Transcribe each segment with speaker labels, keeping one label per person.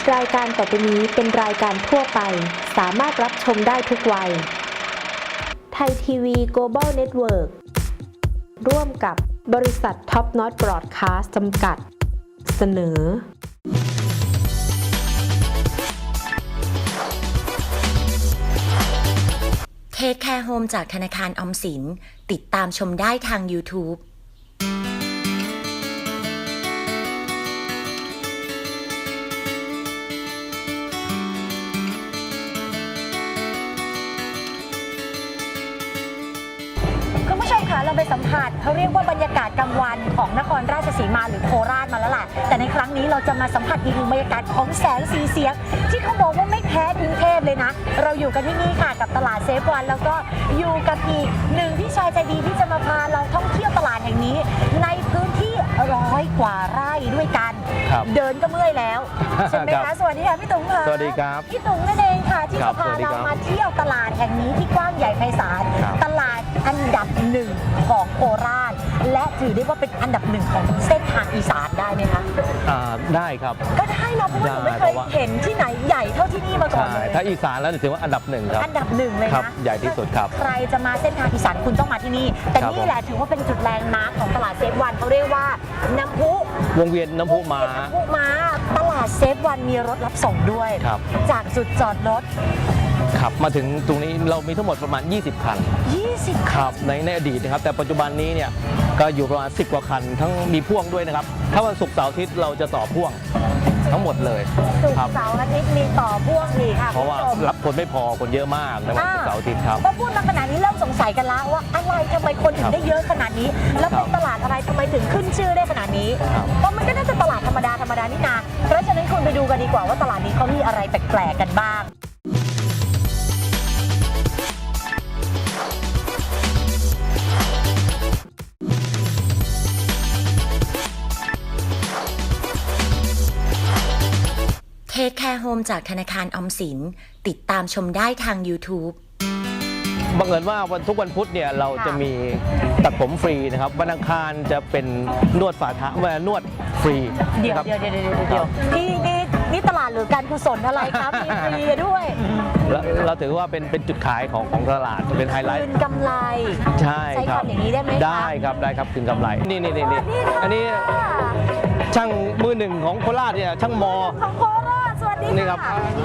Speaker 1: รายการต่อไปนี้เป็นรายการทั่วไปสามารถรับชมได้ทุกวัยไทยทีวี Global Network ร่วมกับบริษัทท็อปน็อตบรอดคาสต์จำกัดเสนอ
Speaker 2: เทคแคร์โฮมจากธนาคารออมสินติดตามชมได้ทาง YouTube
Speaker 3: คุณผู้ชมคะเราไปสัมผัสเขาเรียกว่าบรรยากาศกลางวันของนครราชสีมาหรือโคราชมาแล้วล่ะแต่ในครั้งนี้เราจะมาสัมผัสอีกหนึ่งบรรยากาศของแสงสีเสียงที่เขาบอกว่าไม่แพ้กรุงเทพเลยนะเราอยู่กันที่นี่ค่ะกับตลาดเซฟวันแล้วก็อยู่กับอีกหนึ่งพี่ชายใจดีที่จะมาพาเราท่องเที่ยวตลาดแห่งนี้ในพื้นที่100 กว่าไร่ด้วยกันเดินก็เมื่อยแล้วใช่ไหมคะสวัสดีค่ะพี่ตุ๋งค่ะ
Speaker 4: สวัสดีครับ
Speaker 3: พี่ตุ๋งนั่นเองค่ะที่จะพาเรามาเที่ยวตลาดแห่งนี้ที่กว้างใหญ่ไพศาลตลาดอันดับ1ของโคราชและถือได้ว่าเป็นอันดับ1ของเส้นทางอีสานได้ไหมคะ
Speaker 4: ได้ครับ
Speaker 3: ก็ได้นะเพราะว่าหนูไม่เคยเห็นที่ไหนใหญ่เท่าที่นี่มาก่อนเลย
Speaker 4: ถ้าอีสานแล้วถือว่าอันดับ1ครับ
Speaker 3: อันดับ1เลยนะ
Speaker 4: ใหญ่ที่สุดครับ
Speaker 3: ใครจะมาเส้นทางอีสานคุณต้องมาที่นี่แต่นี่แหละถือว่าเป็นจุดแลนด์มาร์คของตลาดเซฟวันเขาเรียกว่าน้ำพุ
Speaker 4: วงเวียนน้ำพุม้า
Speaker 3: ตลาดเซฟวันมีรถรับส่งด้วยจากจุดจอดรถ
Speaker 4: ขับมาถึงตรงนี้เรามีทั้งหมดประมาณ20 คันครับในอดีตนะครับแต่ปัจจุบันนี้เนี่ยก็อยู่ประมาณ10 กว่าคันทั้งมีพ่วงด้วยนะครับถ้าวันศุกร์เสาร์อาทิตย์เราจะต่อพ่วงทั้งหมดเลย
Speaker 3: ศุกร์เสาร์อาทิตย์มีต่อพ่วงอีกค่ะ
Speaker 4: เพราะว่ารับคนไม่พอคนเยอะมากในวันศุกร์เสาร์อาทิตย์ครับ
Speaker 3: พอพูดมาขนาดนี้เริ่มสงสัยกันแล้วว่าอะไรทำไมคนถึงได้เยอะขนาดนี้แล้วเป็นตลาดอะไรทำไมถึงขึ้นชื่อได้ขนาดนี้เพราะมันก็น่าจะตลาดธรรมดานี่นาเพราะฉะนั้นคุณไปดูกันดีกว่าว่าตลาดนี้เขามีอะไรแปลกๆกันบ้าง
Speaker 2: เทคแคร์โฮมจากธนาคารออมสินติดตามชมได้ทาง YouTube
Speaker 4: บังเอิญว่าทุกวันพุธเนี่ยเราจะมีตัดผมฟรีนะครับวันอังคารจะเป็นนวดฝ่าเท้านวดฟรี
Speaker 3: เดี๋ยวนี่ตลาดหรือการกุศลอะไรครับมีฟรีด้วย
Speaker 4: เราถือว่าเป็นจุดขายของตลาดเป็นไฮไลท์
Speaker 3: คืนกำไร
Speaker 4: ใช่ครับ
Speaker 3: อย่างนี้ได้ไหม
Speaker 4: ได้ครับคืนกำไรนี่อันนี้ช่างมือหนึ่งของโคราชเนี่ยช่างมอ
Speaker 3: ของโคราชสวัสดี
Speaker 4: ครับ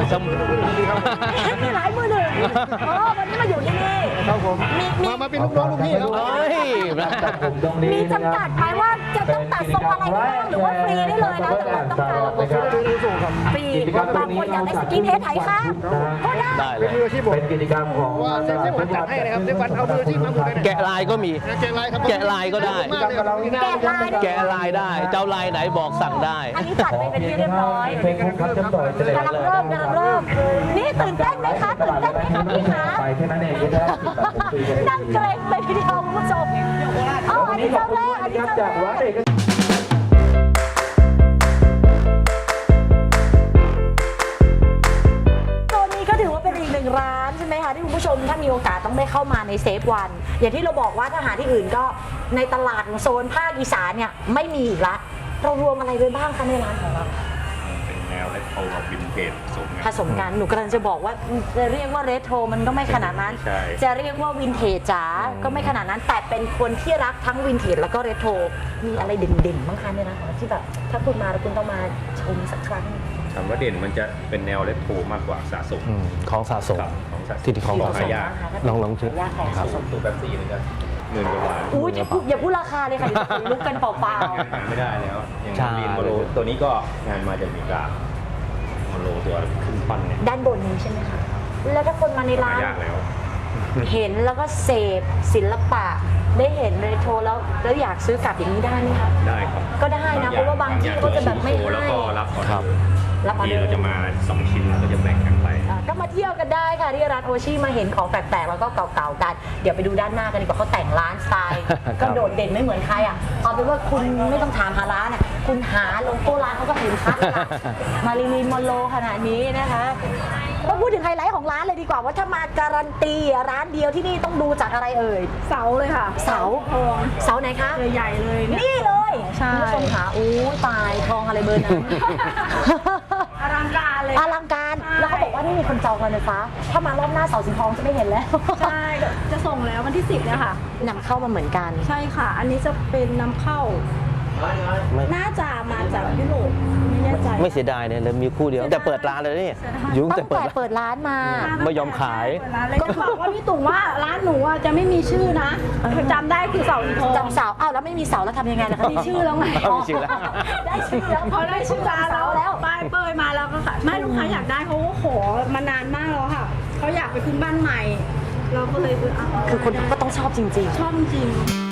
Speaker 3: มีหลายมือหนึ่งวันนี้มาอยู่ที่นี่
Speaker 4: ครับผม
Speaker 5: มาเป็นลูกน้องลูกพี่
Speaker 3: มีจำกัดไหมว่าจะต้องตัดทรงอะไรบ้างหรือว่าฟรีได้เลยนะแต่ว่าต้องการฟรีบางคนอยากได้สกินเฮดไถค่ะก็ได้
Speaker 4: เป็น
Speaker 5: มืออาชีพเป็นกิจกรรมของว่าเซฟวันจัดให้นะครับเซฟวันเอามืออาชีพมาหมดเลย
Speaker 4: แกะลายก็มีแกะลายก็ได้แกะลายได้เจ้าลายไหนบอกสั่งได้
Speaker 3: อันนี้จัดไปเป็นที่เรียบร้อยกำลังเริ่มนี่ตื่นเต้นไหมคะพี่คะนั่งเกรงเลยทีเดียวคุณผู้ชมอันนี้เจ้าแรกตัวนี้ก็ถือว่าเป็นอีกหนึ่งร้านใช่ไหมคะที่คุณผู้ชมถ้ามีโอกาสต้องได้เข้ามาในเซฟวันอย่างที่เราบอกว่าถ้าหาที่อื่นก็ในตลาดโซนภาคอีสานเนี่ยไม่มีอีกละเรารวมอะไรไว้บ้างคะในร้านของเรา
Speaker 5: แนวเรโทรกับวินเทจ
Speaker 3: ผสมกันหนูกำลังจะบอกว่าจะเรียกว่าเรโทรมันก็ไม่ขนาดนั้นจะเรียกว่าวินเทจจ๋าก็ไม่ขนาดนั้นแต่เป็นคนที่รักทั้งวินเทจแล้วก็เรโทรมีอะไรเด่นๆบ้างคะเนี่ยนะคะที่แบบถ้าคุณมาแล้วคุณต้องมาชมสักครั้ง
Speaker 5: คำว่าเด่นมันจะเป็นแนวเรโทรมากกว่าสะสม
Speaker 4: ของสะสมที่ของสะสมลองชื่อ
Speaker 3: ครับ
Speaker 5: ตัวแบบซีเลยนะ10,000 กว่าบาท
Speaker 3: อุ้ยอย่าพูดราคาเลยค่ะลุกกันเปล่า
Speaker 5: ๆไม่ได้แล้วอย่างวินโมโลตัวนี้ก็งานมาจากอเมริกาโมโลตัวขึ้นปั้นเนี่ย
Speaker 3: ด้านบนนี้ใช่ไหมคะแล้วถ้าคนมาในร้านเห็นแล้วก็เสพศิลปะได้เห็นเรโทรแล้วอยากซื้อกลับอย่างนี้ได้ไหมคะ
Speaker 5: ได้ครับ
Speaker 3: ก็ได้นะเพราะว่าบางที่ก็จะแบบไม่ให้
Speaker 5: แล้วก็รับออเดอร์ที่เราจะมา2 ชิ้นแล้วก็จะแบ่งกันไป
Speaker 3: ก็มาเที่ยวกันได้ค่ะที่ร้านโอชิมาเห็นของแปลกๆแล้วก็เก่าๆกันเดี๋ยวไปดูด้านหน้ากันดีกว่าเขาแต่งร้านสไตล์ก็โดดเด่นไม่เหมือนใครอ่ะเอาเป็นว่าคุณไม่ต้องถามหาร้านอ่ะคุณหาโลโก้ร้านเขาก็เห็นชัดละมาริลีนมอนโรขนาดนี้นะคะมาพูดถึงไฮไลท์ของร้านเลยดีกว่าว่าถ้ามาการันตีร้านเดียวที่นี่ต้องดูจากอะไรเอ่ย
Speaker 6: เสาเลยค่ะ
Speaker 3: เสาไหนคะ
Speaker 6: ใหญ่เลย
Speaker 3: นี่เลยคุณผู้ชมค่ะอู้ตายทองอะไรเบอร์นั้น
Speaker 6: อลังการเลย
Speaker 3: อลังการแล้วเขาบอกว่านี่มีคนจองการไฟฟ้าถ้ามารอบหน้าเสาสีทองจะไม่เห็นแล้ว
Speaker 6: ใช่จะส่งแล้ววันที่ 10เนี่ยค่ะ
Speaker 3: นำเข้ามาเหมือนกัน
Speaker 6: ใช่ค่ะ อันนี้จะเป็นนำเข้า น่าจะมาจากยุโรปไม่แน่ใจ
Speaker 4: ไม่เสียดายเนี่ยเลยมีคู่เดียวแต่เปิดร้านเลยนี่ยุ่ง
Speaker 3: ตั้
Speaker 4: แต่
Speaker 3: ง
Speaker 4: เปิด
Speaker 3: แต่
Speaker 4: ร้าน
Speaker 3: เปิดร้านมา
Speaker 4: ไม่ยอมขาย
Speaker 6: ก็บอกว่าพี่ตุ๋งว่าร้านหนูอ่ะจะไม่มีชื่อนะจำได้คือเสาสีทอง
Speaker 3: จำเสาอ้าวแล้วไม่มีเสาแล้วทำยังไงล่ะคะ
Speaker 6: มีชื่อแล้วไง
Speaker 4: มีชื่อแล้ว
Speaker 3: ได้ชื่อแล้ว
Speaker 6: พอได้ชื่อร้านแล้วป้ายเปิดมาแล้วก็ค่ะแม่ลูกค้าอยากได้เขาก็ขอมานานมากแล้วค่ะเขาอยากไปขึ้นบ้านใหม่ เราก็เลยเอา
Speaker 3: คือคนก็ต้องชอบจริง
Speaker 6: ชอบจริง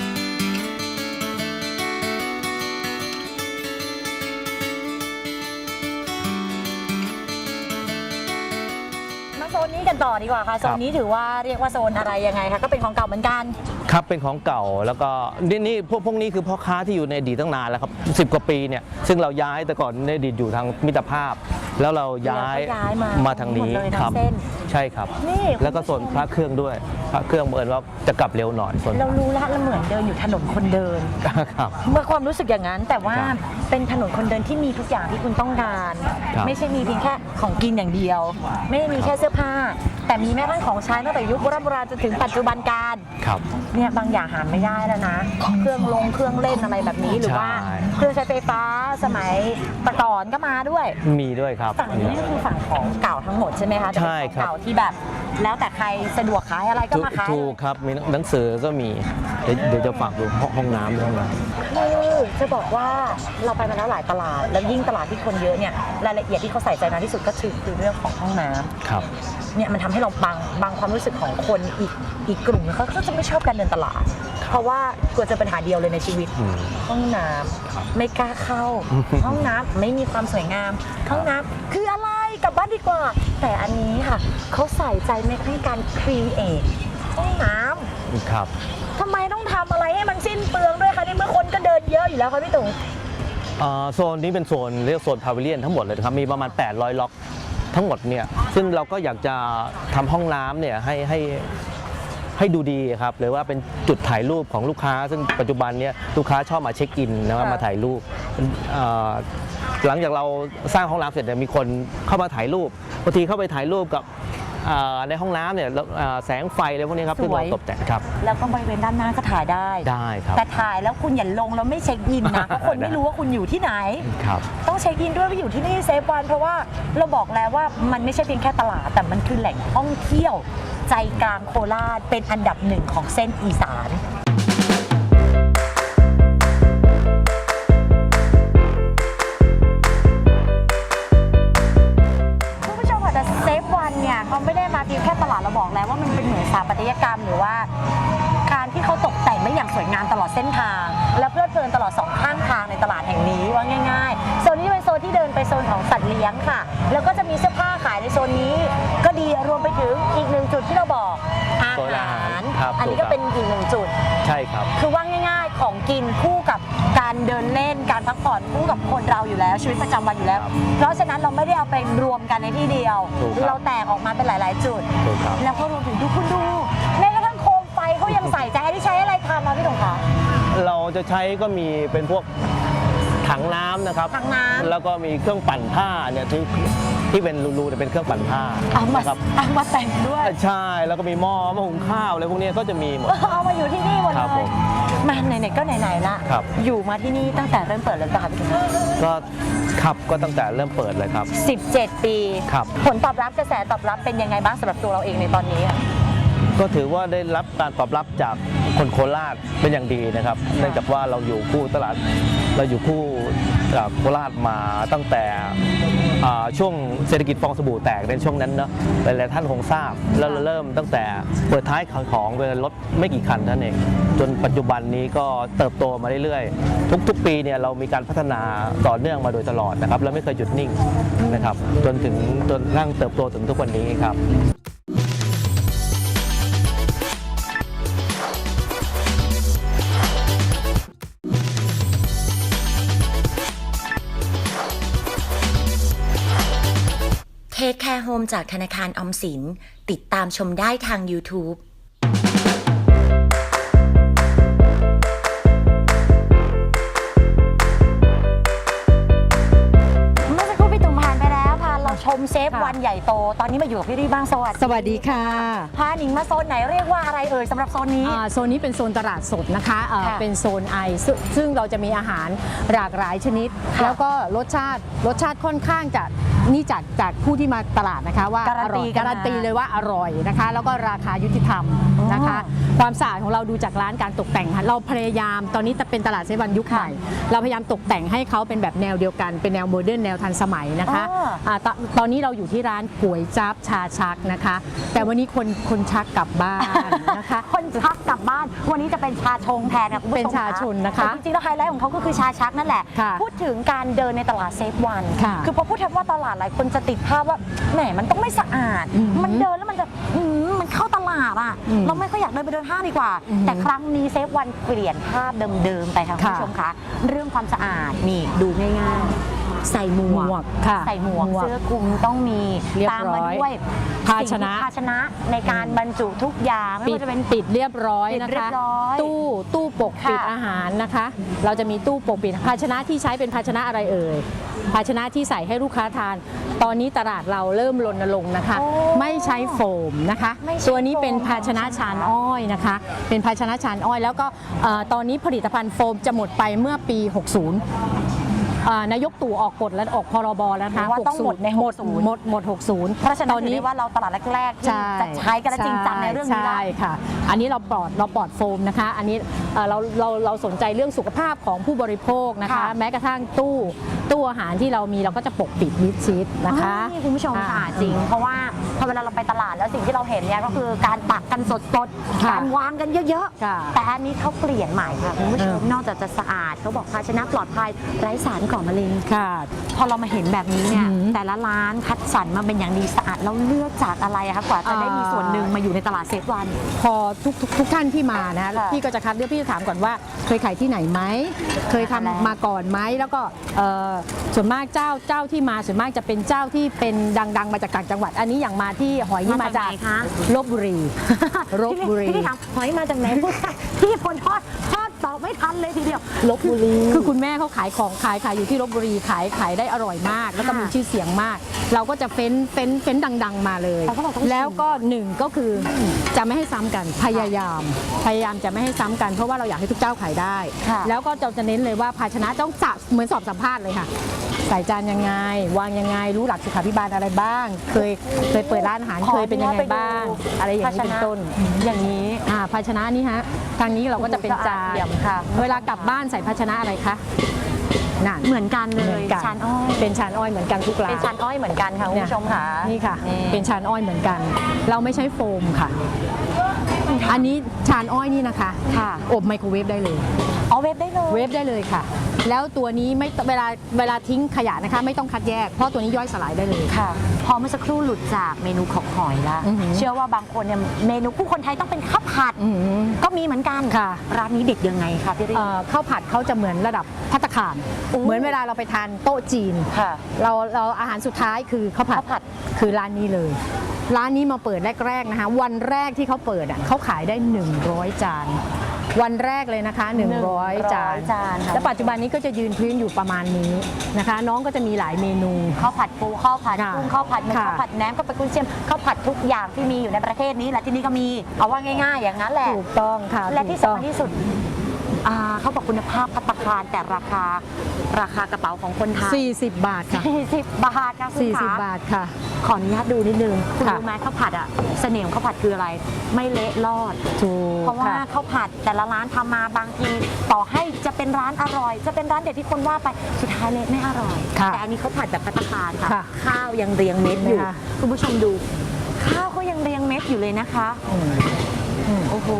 Speaker 3: มาโซนนี้กันต่อดีกว่าค่ะโซนนี้ถือว่าเรียกว่าโซนอะไรยังไงคะก็เป็นของเก่าเหมือนกัน
Speaker 4: ครับเป็นของเก่าแล้วก็นี่พวกนี้คือพ่อค้าที่อยู่ในอดีตตั้งนานแล้วครับ10 กว่าปีเนี่ยซึ่งเราย้ายแต่ก่อนในอดีตอยู่ทางมิตรภาพ แล้วเราย้าย
Speaker 3: แล้วก็ย้ายมา
Speaker 4: มาทางนี้
Speaker 3: หมดเลยทั้ง
Speaker 4: ครับ
Speaker 3: เส้น
Speaker 4: ใช่ครับ
Speaker 3: นี่
Speaker 4: แล้วก็โซนพระเครื่องด้วยพระเครื่องเหมือนว่าจะกลับเร็วหน่อยโซน
Speaker 3: เรารู้แล้วเราเหมือนเดินอยู่ถนนคนเดิน
Speaker 4: ครับ
Speaker 3: เมื่อความรู้สึกอย่างนั้น แต่ว่า
Speaker 4: ครับ
Speaker 3: เป็นถนนคนเดินที่มีทุกอย่างที่คุณต้องการ
Speaker 4: ครับ
Speaker 3: ไม่ใช่มีเพียงแค่ของกินอย่างเดียว ไม่ได้มีแค่เสื้อผ้า แต่มีแม้กระทั่งของใช้ตั้งแต่ยุคโบราณจนถึงปัจจุบันการ
Speaker 4: ครับ
Speaker 3: เนี่ยบางอย่างหาไม่ได้แล้วนะ เครื่องเล่นอะไรแบบนี้หรือว่า
Speaker 4: ใช่
Speaker 3: เครื่องใช้ไฟฟ้าสมัยแต่ก่อนก็มาด้วย
Speaker 4: มีด้วยครับ
Speaker 3: ฝั่งนี้ก็คือฝั่งของเก่าทั้งหมดใช่ไหมคะจะเป็น
Speaker 4: ใช่
Speaker 3: ของ
Speaker 4: ครับ
Speaker 3: เก่าที่แบบ แล้วแต่ใครสะดวกขายอะไรก็มาขาย
Speaker 4: ถูกครับมีหนังสือก็มีเดี๋ยวจะฝากดูห้องน้ำด้วยห้องน้ำ
Speaker 3: คือจะบอกว่าเราไปมาแล้วหลายตลาด แล้วยิ่งตลาดที่คนเยอะเนี่ยรายละเอียดที่เขาใส่ใจมากที่สุดก็คือเรื่องของห้องน้ำ
Speaker 4: ครับ
Speaker 3: เนี่ยมันทำให้เราบางความรู้สึกของคนอีกกลุ่มเขาก็จะไม่ชอบการเดินตลาด เพราะว่ากลัวเจอปัญหาเดียวเลยในชีวิต
Speaker 4: อืม
Speaker 3: ห้องน้ำไม่กล้าเข้า ห้องน้ำไม่มีความสวยงาม ห้องน้ำคืออะไรกลับบ้านดีกว่า แต่อันนี้ค่ะเขาใส่ใจในการครีเอทห้องน้ำ
Speaker 4: ครับ
Speaker 3: ทำไมต้องทำอะไรให้มันสิ้นเปลืองด้วยคะในเมื่อคนก็เดินเยอะอยู่แล้วค่ะพี่ตุ๋ง
Speaker 4: โซนนี้เป็นโซนเรียกโซนพาวิเลียนทั้งหมดเลยนะครับมีประมาณ800 ล็อกทั้งหมดเนี่ยซึ่งเราก็อยากจะทำห้องน้ำเนี่ยให้ดูดีครับหรือว่าเป็นจุดถ่ายรูปของลูกค้า ซึ่งปัจจุบันเนี่ยลูกค้าชอบมาเช็คอินนะครับมาถ่ายรูปหลังจากเราสร้างห้องน้ำเสร็จเนี่ยมีคนเข้ามาถ่ายรูปบางทีเข้าไปถ่ายรูปกับในห้องน้ำเนี่ยแสงไฟอะไรพวกนี้ครับ
Speaker 3: สวย
Speaker 4: ซึ่งเราตกแต่งครับ
Speaker 3: แล้วก็บริเวณด้านหน้าก็ถ่ายได้
Speaker 4: ได้ครับ
Speaker 3: แต่ถ่ายแล้วคุณอย่าลงแล้วไม่เช็คอินนะเพราะคนไม่รู้ว่าคุณอยู่ที่ไหน
Speaker 4: ครับ
Speaker 3: ต้องเช็คอินด้วยว่าอยู่ที่นี่เซฟวันเพราะว่าเราบอกแล้วว่ามันไม่ใช่เพียงแค่ตลาด แต่มันคือแหล่งท่องเที่ยว ใจกลางโคราชเป็นอันดับหนึ่งของเส้นอีสาน คุณผู้ชมค่ะแต่เซฟวันเนี่ยเขาไม่ได้มาเพียงแค่ตลาดเราบอกแล้วว่ามันเป็นเหมือนสถาปัตยกรรมหรือว่า การที่เขาตกแต่งได้อย่างสวยงามตลอดเส้นทาง และเพลิดเพลินตลอด2ข้างทางในตลาดแห่งนี้ว่าง่ายๆโซนนี้เป็นโซนที่เดินไปโซนของสัตว์เลี้ยงค่ะ แล้วก็จะมีเสื้อผ้าขายในโซนนี้ ก็ดีรวมไปถึงอีกหนึ่งจุดที่เราบอกอา
Speaker 4: โซนอา
Speaker 3: หา
Speaker 4: หาร รครับ
Speaker 3: อันนี้ก็เป็นอีกหนึ่งจุด
Speaker 4: ใช่ครับ
Speaker 3: คือว่าง่ายๆของกินคู่กับการเดินเล่นการพักผ่อนคู่กับคนเราอยู่แล้วชีวิตประจำวันอยู่แล้ว
Speaker 4: ครับ
Speaker 3: เพราะฉะนั้นเราไม่ได้เอาไปรวมกันในที่เดียว
Speaker 4: ถูกครับ
Speaker 3: เราแตกออกมาเป็นหลาย ๆ จุด
Speaker 4: ถูกครับ
Speaker 3: แล้วก็รวมถึงดูคุณดูแม้กระทั่งโคมไฟเขายังใส่ใจให้ที่ใช้อะไรทำมาพี่ตงคะ
Speaker 4: เราจะใช้ก็มีเป็นพวกถังน้ำนะครับ
Speaker 3: ถังน้ำ
Speaker 4: แล้วก็มีเครื่องปั่นผ้าเนี่ยที่เป็นรูๆเนี่ยเป็นเครื่องปั่นผ้า
Speaker 3: เอามา
Speaker 4: นะครับ
Speaker 3: แต่งด้วย
Speaker 4: ใช่แล้วก็มีหม้อหุงข้าวอะไรพวกนี้ก็จะมีหมด
Speaker 3: เอามาอยู่ที่นี่หมด
Speaker 4: ครับ
Speaker 3: เล
Speaker 4: ผ
Speaker 3: ย
Speaker 4: ม
Speaker 3: มาไหนๆก็ไหนๆละ
Speaker 4: ครับ
Speaker 3: อยู่มาที่นี่ตั้งแต่เริ่มเปิดเลยป่ะคะพี่ตง
Speaker 4: ก็ขับก็ตั้งแต่เริ่มเปิดเลยครับ
Speaker 3: 17 ปี
Speaker 4: ครับ
Speaker 3: ผลตอบรับกระแสตอบรับเป็นยังไงบ้างสำหรับตัวเราเองในตอนนี้อะ
Speaker 4: ก็ถือว่าได้รับการตอบรับจากคนโคราชเป็นอย่างดีนะครับ เนื่องจากว่าเราอยู่คู่ตลาดเราอยู่คู่โคราชมาตั้งแต่ช่วงเศรษฐกิจฟองสบู่แตกในช่วงนั้นเนาะหลายๆท่านคงทราบแล้วเราเริ่มตั้งแต่เปิดท้ายของเป็นรถไม่กี่คันเท่านั้นเองจนปัจจุบันนี้ก็เติบโตมาเรื่อยๆทุกปีเนี่ยเรามีการพัฒนาต่อเนื่องมาโดยตลอดนะครับเราไม่เคยหยุดนิ่งนะครับจนนั่งเติบโตถึงทุกวันนี้ครับ
Speaker 2: เทคแคร์โฮมจากธนาคารออมสินติดตามชมได้ทาง YouTube
Speaker 3: เมื่อสักครู่พี่ตุ๋มผ่านไปแล้วพาเราชมเซฟวันใหญ่โตตอนนี้มาอยู่กับพี่รีบ้างสวัสดี
Speaker 7: สวัสดีค่ะ
Speaker 3: พาหนิงมาโซนไหนเรียกว่าอะไรเอ่ยสำหรับโซนนี้
Speaker 7: โซนนี้เป็นโซนตลาดสดนะคะ
Speaker 3: ค่ะ
Speaker 7: เป็นโซนไอซึ่งเราจะมีอาหารหลากหลายชนิด
Speaker 3: ค่ะ
Speaker 7: แล้วก็รสชาติค่อนข้างจะนี่จากผู้ที่มาตลาดนะคะว่า
Speaker 3: การันตี
Speaker 7: ออย
Speaker 3: กันมา
Speaker 7: การันตีเลยว่าอร่อยนะคะ แล้วก็ราคายุติธรรมนะคะ
Speaker 3: อ๋อ
Speaker 7: ความสะอาดของเราดูจากร้านการตกแต่งค่ะเราพยายามตอนนี้จะเป็นตลาดเซเว่นยุคใหม่ เราพยายามตกแต่งให้เขาเป็นแบบแนวเดียวกันเป็นแนวโมเดิร์นแนวทันสมัยนะคะ ตอนนี้เราอยู่ที่ร้านก๋วยจั๊บชาชักนะคะ แต่วันนี้คนชักกลับบ้านนะคะ
Speaker 3: คนชักกลับบ้านวันนี้จะเป็นชาชงแทนนะคุณผู้ชม
Speaker 7: เป็นชาชนนะคะ
Speaker 3: แต่จริงๆแล้วไฮไลท์ของเขาก็คือชาชักนั่นแหละ
Speaker 7: ค่ะ
Speaker 3: พูดถึงการเดินในตลาดเซฟวัน
Speaker 7: ค่ะ
Speaker 3: คือพอพูดคำว่าตลาดหลายคนจะติดภาพว่าแหมมันต้องไม่สะอาด มันเดินแล้วมันจะมันเข้าตลาดอ่ะ เราไม่ค่อยอยากเดินไปเดินห้างดีกว่า แต่ครั้งนี้เซฟวันเปลี่ยนภาพเดิมๆไปค่ะคุณผู้ชมคะเรื่องความสะอาดนี่ดูง่ายๆใส่หมวก
Speaker 7: ค่ะ
Speaker 3: ใส่หมวกเสื้อคลุมต้องมี
Speaker 7: เรียบ
Speaker 3: ตาม
Speaker 7: ร้
Speaker 3: มา
Speaker 7: อย
Speaker 3: ด้วย
Speaker 7: ภาชนะ
Speaker 3: ภาชนะในการบรรจุทุกอย่างไม่ว่าจะเป็น
Speaker 7: ปิดเรียบร้อย
Speaker 3: ปิด
Speaker 7: นะ
Speaker 3: เรีย
Speaker 7: คะ
Speaker 3: บร้อย
Speaker 7: ตู้ปกปิด
Speaker 3: ค่ะ
Speaker 7: อาหารนะคะ เราจะมีตู้ปกปิดภาชนะที่ใช้เป็นภาชนะอะไรเอ่ยภาชนะที่ใส่ให้ลูกค้าทาน ตอนนี้ตลาดเราเริ่มรณรงค์นะคะ
Speaker 3: โอ้
Speaker 7: ไม่ใช้โฟมนะคะ
Speaker 3: ไม่ใช้
Speaker 7: ตัวนี้เป็น
Speaker 3: โฟม
Speaker 7: ภาชนะชานอ้อยนะคะ เป็นภาชนะชานอ้อย แล้วก็ตอนนี้ผลิตภัณฑ์โฟมจะหมดไปเมื่อปี 60นายกตู่ออกกฎและออกพรบแล้วนะคะ
Speaker 3: ว่าต้องหมดใน
Speaker 7: หมด
Speaker 3: 60
Speaker 7: หมด 60
Speaker 3: เพราะฉะนั้น
Speaker 7: ตอน
Speaker 3: ถือ
Speaker 7: นี้
Speaker 3: ได้ว่าเราตลาดแรกๆที่จะใช้กันและจริงจังในเรื่องนี้ได้
Speaker 7: ใช่ค่ะ อันนี้เราปลอดโฟมนะคะ อันนี้เราสนใจเรื่องสุขภาพของผู้บริโภคนะคะ
Speaker 3: ค่ะ
Speaker 7: แม้กระทั่งตู้อาหารที่เรามีเราก็จะปกปิดมิดชิดนะคะ
Speaker 3: นี่คุณผู้ชมค่ะจริง เพราะว่าพอเวลาเราไปตลาดแล้วสิ่งที่เราเห็นเนี่ยก็คือการตักกันสดๆ
Speaker 7: ค่ะ
Speaker 3: การวางกันเยอะ
Speaker 7: ค่ะ
Speaker 3: ๆ แต่อันนี้เขาเปลี่ยนใหม่ค่ะคุณผู้ชมนอกจากจะสะอาดเขาบอกภาชนะปลอดภัยไร้สารก่อมะเร็ง
Speaker 7: ค่ะ
Speaker 3: พอเรามาเห็นแบบนี้เนี่ย
Speaker 7: อือหือ
Speaker 3: แต่ละร้านคัดสรรมาเป็นอย่างดีสะอาดแล้วเลือกจากอะไรอะคะกว่าจะได้มีส่วนหนึ่งมาอยู่ในตลาดเซฟวัน
Speaker 7: พอทุกท่านที่มานะ
Speaker 3: ค่ะ
Speaker 7: พี่ก็จะคัดเลือกพี่จะถามก่อนว่าเคยขายที่ไหนไหมเคยทำ
Speaker 3: แล้ว
Speaker 7: มาก่อนไหมแล้วก็ส่วนมากเจ้าที่มาส่วนมากจะเป็นเจ้าที่เป็นดังๆมาจากต่างจังหวัด อันนี้อย่างมาที่หอยนี่มาจาก
Speaker 3: มาจากไหนคะ
Speaker 7: ลพบุรีลพบุรี
Speaker 3: พี่ถามหอยมาจากไหนพี่พลทอดตอบไม่ทันเลยทีเดียว
Speaker 7: ลพบุรีคือคุณแม่เขาขายของขายอยู่ที่ลพบุรีขายได้อร่อยมาก แล้วก็
Speaker 3: ค่ะ
Speaker 7: มีชื่อเสียงมาก เราก็จะเฟ้นดังๆมาเลย
Speaker 3: แต่เขาบอกต้องชิม
Speaker 7: แล้วก็หนึ่งก็คือจะไม่ให้ซ้ำกันพยายามจะไม่ให้ซ้ำกันเพราะว่าเราอยากให้ทุกเจ้าขายได้
Speaker 3: ค่ะ
Speaker 7: แล้วก็จะเน้นเลยว่าภาชนะต้องเหมือนสอบสัมภาษณ์เลยค่ะ ใส่จานยังไง วางยังไงรู้หลักสุขาภิบาลอะไรบ้าง เคยเปิดร้านอาหารเคยเป็นยังไงบ้าง อะไรอย่างนี้เป็นต้น
Speaker 3: อย่างนี้
Speaker 7: ภาชนะนี่ฮะทางนี้เราก็จะเป็นจาน
Speaker 3: สะอาดเอี่ยมค่ะ
Speaker 7: เวลากลับบ้านใส่ภาชนะอะไรคะนั่น
Speaker 3: เหมือนกันเล
Speaker 7: เหมื
Speaker 3: ย
Speaker 7: อนกัน
Speaker 3: ชานอ้อย
Speaker 7: เป็นชานอ้อยเหมือนกันทุกร้าน
Speaker 3: เป็นชานอ้อยเหมือนกันค่ะคุณผู้ชมค่ะ
Speaker 7: นี่ค่ะ
Speaker 3: นี่
Speaker 7: เป็นชานอ้อยเหมือนกัน เราไม่ใช้โฟมค่ะ อันนี้ชานอ้อยนี่นะคะ
Speaker 3: ค่ะ
Speaker 7: อบไมโครเวฟได้เลย
Speaker 3: เอาเวฟได้เลย
Speaker 7: เวฟได้เลยค่ะ แล้วตัวนี้ไม่เวลาทิ้งขยะนะคะ ไม่ต้องคัดแยก เพราะตัวนี้ย่อยสลายได้เลย
Speaker 3: ค่ะ พอเมื่อสักครู่หลุดจากเมนูของหอยละ
Speaker 7: อือหือ
Speaker 3: เชื่อว่าบางคนเนี่ยเมนูผู้คนไทยต้องเป็นข้าวผัด
Speaker 7: อืม
Speaker 3: ก็มีเหมือนกัน
Speaker 7: ค่ะ
Speaker 3: ร้านนี้เด็ดยังไงคะพี่ริ
Speaker 7: ข้าวผัดเขาจะเหมือนระดับภัตตาคาร
Speaker 3: โอ้
Speaker 7: เหมือนเวลาเราไปทานโต๊ะจีน
Speaker 3: ค่ะ
Speaker 7: เราอาหารสุดท้ายคือข้าวผัด
Speaker 3: ข้าวผัด
Speaker 7: คือร้านนี้เลย ร้านนี้มาเปิดแรกๆนะคะ วันแรกที่เขาเปิดเขาขายได้ 100 จาน วันแรกเลยนะคะ 100 จาน
Speaker 3: จานค่ะ
Speaker 7: และปัจจุบันนี้ก็จะยืนพื้นอยู่ประมาณนี้นะคะ น้องก็จะมีหลายเมนู
Speaker 3: ข้าวผัดปูข้าวผัด
Speaker 7: ค่ะ
Speaker 3: กุ้งข้าวผัดหมึก
Speaker 7: ค่ะ
Speaker 3: ข้าวผัดแหนมข้าวผัดกุ้งเชียมข้าวผัดทุกอย่างที่มีอยู่ในประเทศนี้และที่นี่ก็มีเอาว่าง่ายๆ อย่างนั้นแหละ
Speaker 7: ถูกต้องค่ะ
Speaker 3: และที่
Speaker 7: ถูกต้อง
Speaker 3: สำคัญที่สุดเขาบอกคุณภาพภัตตาคารแต่ราคากระเป๋าของคนไทย
Speaker 7: 40 บาทค่ะ
Speaker 3: 40 บาทค่ะคุณคะ
Speaker 7: 40 บาทค่ะ
Speaker 3: ขออนุญาตดูนิดนึงคุณ
Speaker 7: ค่ะ
Speaker 3: รู้ไหมข้าวผัดเสน่ห์ของข้าวผัดคืออะไร ไม่เละรอด
Speaker 7: ถูก
Speaker 3: เพราะว่า
Speaker 7: ค่ะ
Speaker 3: ข้าวผัดแต่ละร้านทำมาบางทีต่อให้จะเป็นร้านอร่อย จะเป็นร้านเด็ดที่คนว่าไปสุดท้ายเละไม่อร่อย
Speaker 7: ค่ะ
Speaker 3: แต่อันนี้ข้าวผัดแบบภัตตาคารค่ะ
Speaker 7: ค่ะ
Speaker 3: ข้าวยังเรียงเม็ดอยู่
Speaker 7: เห็นไหมคะ
Speaker 3: คุณผู้ชมดู ข้าวเขายังเรียงเม็ดอยู่เลยนะคะ โอ้โห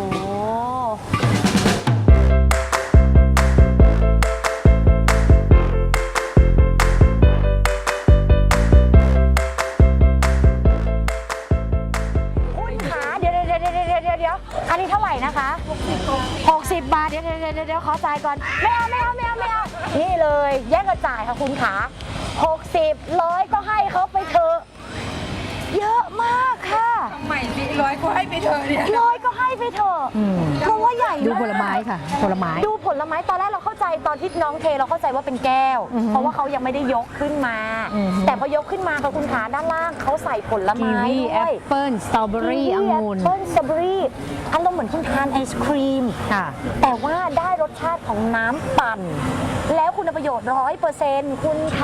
Speaker 3: คุณขาเดี๋ยวอันนี้เท่าไหร่นะคะ60 บาทเดี๋ยวขอจ่ายก่อนไม่เอานี่เลยแย่งกันจ่ายค่ะคุณขา60 100ก็ให้เขาไปเถอะเยอะมากค่ะ
Speaker 6: ใหม่สิ100ก็ให้ไปเถอะเนี่ย
Speaker 3: 100ก็ให้ไปเถอะ
Speaker 7: อืม
Speaker 3: เพราะว่าใหญ่
Speaker 7: ดู
Speaker 3: มาก
Speaker 7: ผลไม้ค่ะ ผลไม้
Speaker 3: ดูผลไม้ตอนแรกเราเข้าใจตอนที่น้องเทเราเข้าใจว่าเป็นแก้ว
Speaker 7: อือฮึ
Speaker 3: เพราะว่าเขายังไม่ได้ยกขึ้นมา
Speaker 7: อือฮึ
Speaker 3: แต่พอยกขึ้นมาค่ะคุณขาด้านล่างเขาใส่ผล
Speaker 7: กี
Speaker 3: ไม้
Speaker 7: วี
Speaker 3: ด้
Speaker 7: แอ
Speaker 3: วย
Speaker 7: ปเปิ้ลสตรอเบอรี่องุ่น
Speaker 3: แอปเปิ้ลสตรอเบอรี่อารมณ์เหมือนคุณทานไอศครีม
Speaker 7: ค่ะ
Speaker 3: แต่ว่าได้รสชาติของน้ำปั่น แล้วคุณประโยชน์ 100%คุณขา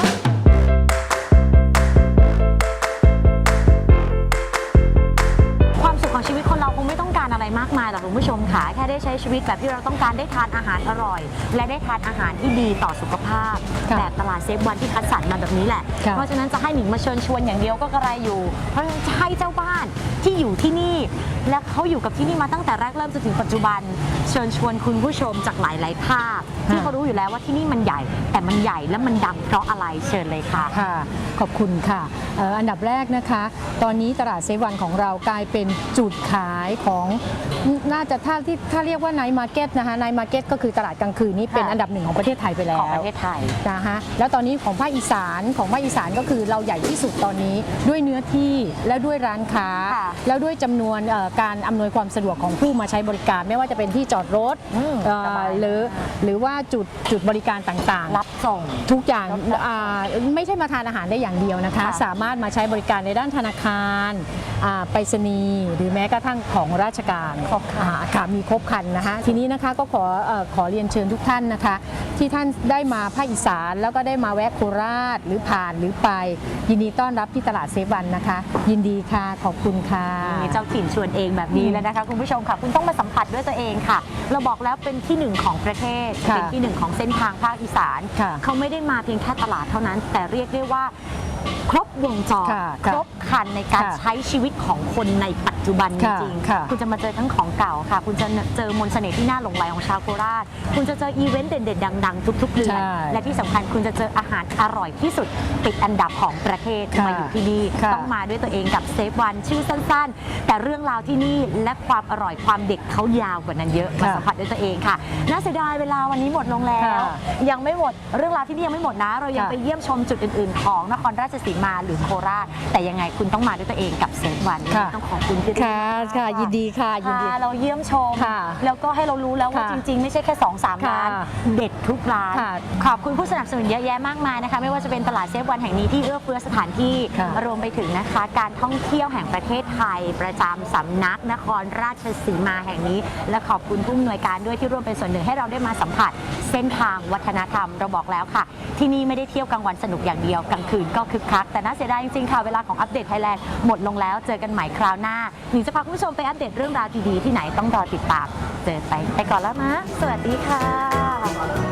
Speaker 3: ความสุขของชีวิตคนเราคงไม่ต้องการอะไรมากมายหรอกคุณผู้ชมค่ะแค่ได้ใช้ชีวิตแบบที่เราต้องการได้ทานอาหารอร่อย และได้ทานอาหารที่ดีต่อสุขภาพ
Speaker 7: ค่ะ
Speaker 3: แบบตลาดเซฟวันที่คัดสรรมาแบบนี้แหละ
Speaker 7: ค่ะ
Speaker 3: เพราะฉะนั้นจะให้หนิงมาเชิญชวนอย่างเดียวก็กระไรอยู่ เพราะฉะนั้นจะให้เจ้าบ้านที่อยู่ที่นี่ และเขาอยู่กับที่นี่มาตั้งแต่แรกเริ่มจนถึงปัจจุบัน เชิญชวนคุณผู้ชมจากหลายๆภาคที่เขารู้อยู่แล้วว่าที่นี่มันใหญ่ แต่มันใหญ่และมันดังเพราะอะไรเชิญเลยค่ะ
Speaker 7: ค่ะ ขอบคุณค่ะอันดับแรกนะคะ ตอนนี้ตลาดเซฟวันของเรากลายเป็นจุดขายของน่าจะถ้าเรียกว่าไนท์มาร์เก็ตนะคะไนท์มาร์เก็ตก็คือตลาดกลางคืนนี้เป็น
Speaker 3: ค่ะ
Speaker 7: อันดับหนึ่งของประเทศไทยไปแล้ว
Speaker 3: ของประเทศไทย
Speaker 7: นะคะแล้วตอนนี้ของภาคอีสานก็คือเราใหญ่ที่สุดตอนนี้ด้วยเนื้อที่และด้วยร้านค้า
Speaker 3: ค่ะ
Speaker 7: แล้วด้วยจำนวนการอำนวยความสะดวกของผู้มาใช้บริการ ไม่ว่าจะเป็นที่จอดรถ
Speaker 3: สบาย
Speaker 7: หรือว่าจุดบริการต่างๆ
Speaker 3: รับส่ง
Speaker 7: ทุกอย่างไม่ใช่มาทานอาหารได้อย่างเดียวนะคะ
Speaker 3: ค่ะ
Speaker 7: สามารถมาใช้บริการในด้านธนาคารไปรษณีย์หรือแม้กระทั่งของราชการ
Speaker 3: ครบครัน
Speaker 7: ค่ะมีครบครันนะคะทีนี้นะคะก็ขอเรียนเชิญทุกท่านนะคะ ที่ท่านได้มาภาคอีสานแล้วก็ได้มาแวะโคราชหรือผ่านหรือไป ยินดีต้อนรับที่ตลาดเซฟวันนะคะ ยินดีค่ะขอบคุณค่ะ
Speaker 3: มีเจ้าถิ่นชวนเองแบบนี้แล้วนะคะคุณผู้ชมค่ะคุณต้องมาสัมผัสด้วยตัวเองค่ะ เราบอกแล้วเป็นที่หนึ่งของประเทศ
Speaker 7: ค่ะ
Speaker 3: เป็นที่หนึ่งของเส้นทางภาคอีสาน
Speaker 7: ค่ะ
Speaker 3: เขาไม่ได้มาเพียงแค่ตลาดเท่านั้น แต่เรียกได้ว่า ครบวงจร
Speaker 7: ค่ะ
Speaker 3: ครบครันในการ
Speaker 7: ค่ะ
Speaker 3: ใช้ชีวิตของคนในปัจจุบันจ
Speaker 7: ค่ะ
Speaker 3: ริง
Speaker 7: ค่ะ
Speaker 3: ๆคุณจะมาเจอทั้งของเก่าค่ะ คุณจะเจอมนต์เสน่ห์ที่น่าหลงใหลของชาวโคราชคุณจะเจออีเวนต์เด่นๆดังๆทุกๆเดือน
Speaker 7: ใช่
Speaker 3: และที่สำคัญคุณจะเจออาหารอร่อยที่สุดติดอันดับของประเทศ
Speaker 7: ค่ะ
Speaker 3: มาอยู่ที่นี่
Speaker 7: ค่ะ
Speaker 3: ต้องมาด้วยตัวเองกับเซฟวันชื่อสั้นๆ แต่เรื่องราวที่นี่และความอร่อยความเด็กเขายาวกว่านั้นเยอะมาสัมผัสด้วยตัวเองค่ะน่าเสียดายเวลาวันนี้หมดลงแล้ว
Speaker 7: ค่ะ
Speaker 3: ยังไม่หมดเรื่องราวที่นี่ยังไม่หมดนะ เรายัง
Speaker 7: ค่ะ
Speaker 3: ไปเยี่ยมชมจุดอื่นๆ ของนครราชสีมาหรือโคราชแต่ยังไงคุณต้องมาด้วยตัวเองกับเซฟวัน
Speaker 7: ค่ะ
Speaker 3: ต้องขอบคุณที่
Speaker 7: ค่ะค่ะยินดีค่ะยินดี
Speaker 3: พาเราเยี่ยมชม
Speaker 7: ค่ะ
Speaker 3: แล้วก็ให้เรารู้แล้วว่า
Speaker 7: ค่ะ
Speaker 3: จริงๆ ไม่ใช่แค่ 2-3 ร้าน
Speaker 7: ค่ะ
Speaker 3: เด็ดทุกร้าน
Speaker 7: ค่ะ
Speaker 3: ขอบคุณผู้สนับสนุนเยอะแยะมากมายนะคะไม่ว่าจะเป็นตลาดเซฟวันแห่งนี้ที่เอื้อเฟื้อสถานที่
Speaker 7: ค่ะ
Speaker 3: รวมไปถึงนะคะการท่องเที่ยวแห่งประเทศไทย ประจำสำนักนครราชสีมาแห่งนี้ และขอบคุณผู้อำนวยการด้วยที่ร่วมเป็นส่วนหนึ่งให้เราได้มาสัมผัสเส้นทางวัฒนธรรมเราบอกแล้วค่ะ ที่นี่ไม่ได้เที่ยวกลางวันสนุกอย่างเดียวกลางคืนก็คึกคักแต่น่าเสียดายจริงๆค่ะเวลาของอัปเดตไทยแลนด์หมดลงแล้วเจอกันใหม่คราวหน้าหนิงจะพาคุณผู้ชมไปอัปเดตเรื่องราวดีๆที่ไหนต้องรอติดตามเจอไปก่อนแล้วนะสวัสดีค่ะ